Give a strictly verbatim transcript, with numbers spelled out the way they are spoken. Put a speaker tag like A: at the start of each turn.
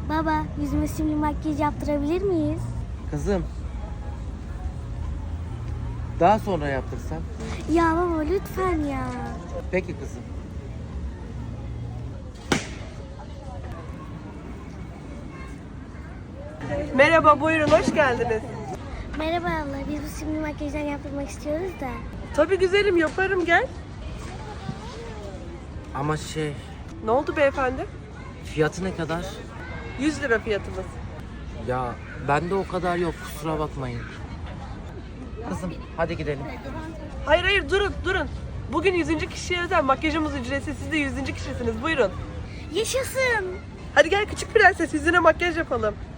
A: Baba, yüzüme simli makyaj yaptırabilir miyiz?
B: Kızım. Daha sonra yaptırsam.
A: Ya baba lütfen ya.
B: Peki kızım.
C: Merhaba, buyurun, hoş geldiniz.
A: Merhaba abla, biz bu simli makyajdan yaptırmak istiyoruz da.
C: Tabii güzelim, yaparım, gel.
B: Ama şey,
C: Ne oldu beyefendi?
B: fiyatı ne kadar?
C: yüz lira fiyatımız.
B: Ya bende o kadar yok, kusura bakmayın. Kızım hadi gidelim.
C: Hayır hayır, durun, durun. Bugün yüzüncü kişiye özel makyajımız ücretsiz. Siz de yüzüncü kişisiniz, buyurun.
A: Yaşasın.
C: Hadi gel küçük prenses, yüzüne makyaj yapalım.